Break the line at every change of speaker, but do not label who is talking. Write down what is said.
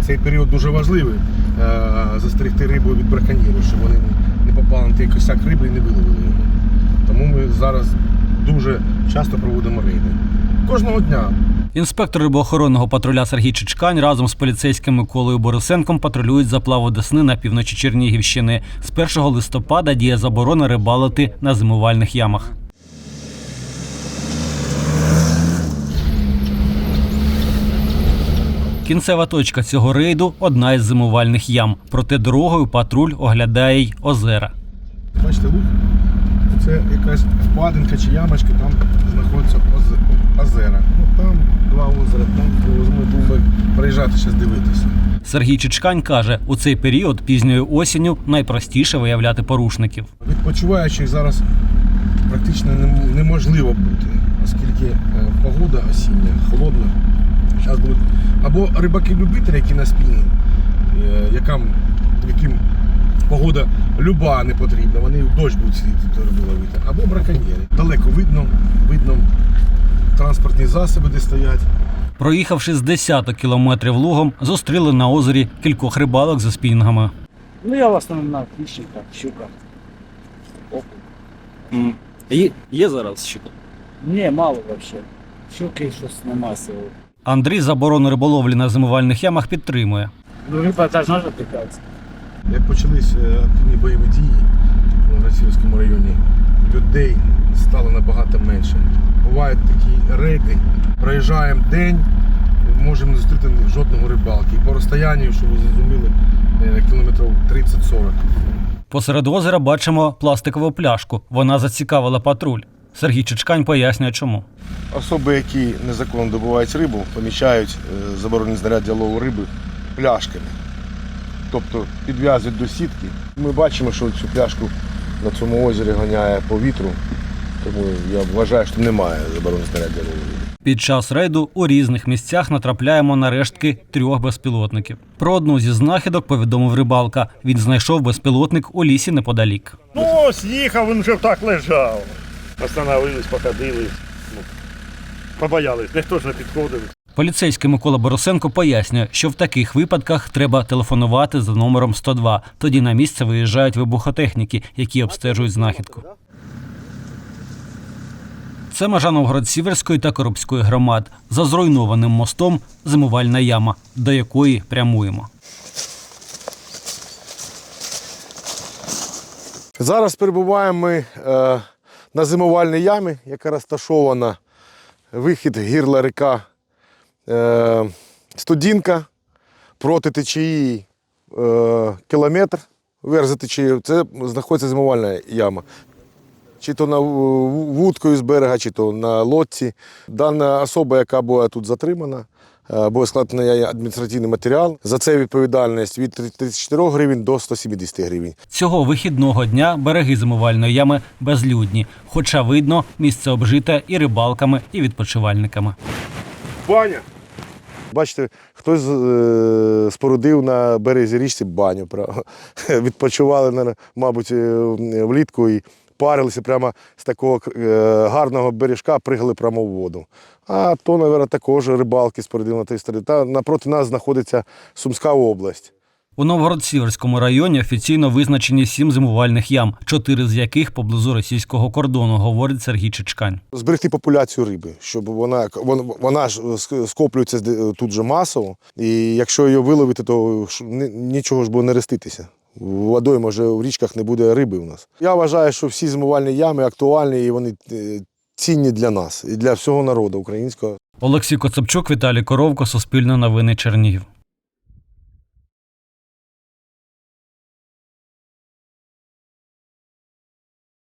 Цей період дуже важливий, застерегти рибу від браконьєрів, щоб вони не попали на той косяк риби і не виловили його. Тому ми зараз дуже часто проводимо рейди. Кожного дня.
Інспектор рибоохоронного патруля Сергій Чичкань разом з поліцейським Миколою Борисенком патрулюють заплаву Десни на півночі Чернігівщини. З 1 листопада діє заборона рибалити на зимувальних ямах. Кінцева точка цього рейду – одна із зимувальних ям. Проте дорогою патруль оглядає й озера.
Бачите, луг? Це якась впадинка чи ямочка, там знаходяться озера. Там два озера, там ми будемо приїжджати зараз дивитися.
Сергій Чичкань каже, у цей період пізньою осінню найпростіше виявляти порушників.
Відпочиваючих зараз практично неможливо бути, оскільки погода осіння, холодна. Зараз будуть або рибаки-любителі, які на спільні, яким погода люба не потрібна, вони в дощ будуть сидіти рибу ловити, або браконьєри. Далеко видно транспортні засоби, де стоять.
Проїхавши з десяток кілометрів лугом, зустріли на озері кількох рибалок зі спінгами.
Я в основному на хищниках, щуках, окунь.
Є зараз щука?
Ні, мало взагалі. Щуки щось нема сили.
Андрій заборону риболовлі на зимувальних ямах підтримує.
Риба теж може пікатися.
Як почались активні бойові дії в Російському районі, людей стало набагато менше. Бувають такі рейди, проїжджаємо день, можемо не зустріти жодного рибалки. І по розстоянню, щоб ви зрозуміли, кілометрів 30-40.
Посеред озера бачимо пластикову пляшку. Вона зацікавила патруль. Сергій Чичкань пояснює, чому.
Особи, які незаконно добувають рибу, помічають заборонені знаряддя лову риби пляшками. Тобто підв'язують до сітки. Ми бачимо, що цю пляшку на цьому озері ганяє по вітру, тому я вважаю, що немає заборонених знаряддя лову риби.
Під час рейду у різних місцях натрапляємо на рештки 3 безпілотників. Про одну зі знахідок повідомив рибалка. Він знайшов безпілотник у лісі неподалік.
Ось їхав, він вже так лежав. Остановились, походили, побоялись, ніхто ж не підходив.
Поліцейський Микола Борисенко пояснює, що в таких випадках треба телефонувати за номером 102. Тоді на місце виїжджають вибухотехніки, які обстежують знахідку. Це межа Новгород-Сіверської та Коробської громад. За зруйнованим мостом – зимувальна яма, до якої прямуємо.
Зараз перебуваємо ми на зимувальній ямі, яка розташована вихід гірла ріка Студінка, проти течії кілометр, вверх за течією, це знаходиться зимувальна яма. Чи то на вудкою з берега, чи то на лодці. Дана особа, яка була тут затримана, буде складений адміністративний матеріал. За це відповідальність від 34 гривень до 170 гривень.
Цього вихідного дня береги зимувальної ями безлюдні, хоча видно, місце обжите і рибалками, і відпочивальниками.
Баня! Бачите, хтось спорудив на березі річці баню. Відпочивали, мабуть, влітку і парилися прямо з такого гарного бережка, пригали прямо в воду. А то, мабуть, також рибалки спорудили на тій стороні. Та напроти нас знаходиться Сумська область.
У Новгород-Сіверському районі офіційно визначені 7 зимувальних ям, 4 з яких поблизу російського кордону, говорить Сергій Чичкань.
Зберегти популяцію риби, щоб вона ж скоплюється тут же масово, і якщо її виловити, то нічого ж буде не реститися. Водою, може, в річках не буде риби у нас. Я вважаю, що всі зимувальні ями актуальні і вони цінні для нас, і для всього народу українського.
Олексій Коцепчук, Віталій Коровко, Суспільне новини, Чернігів.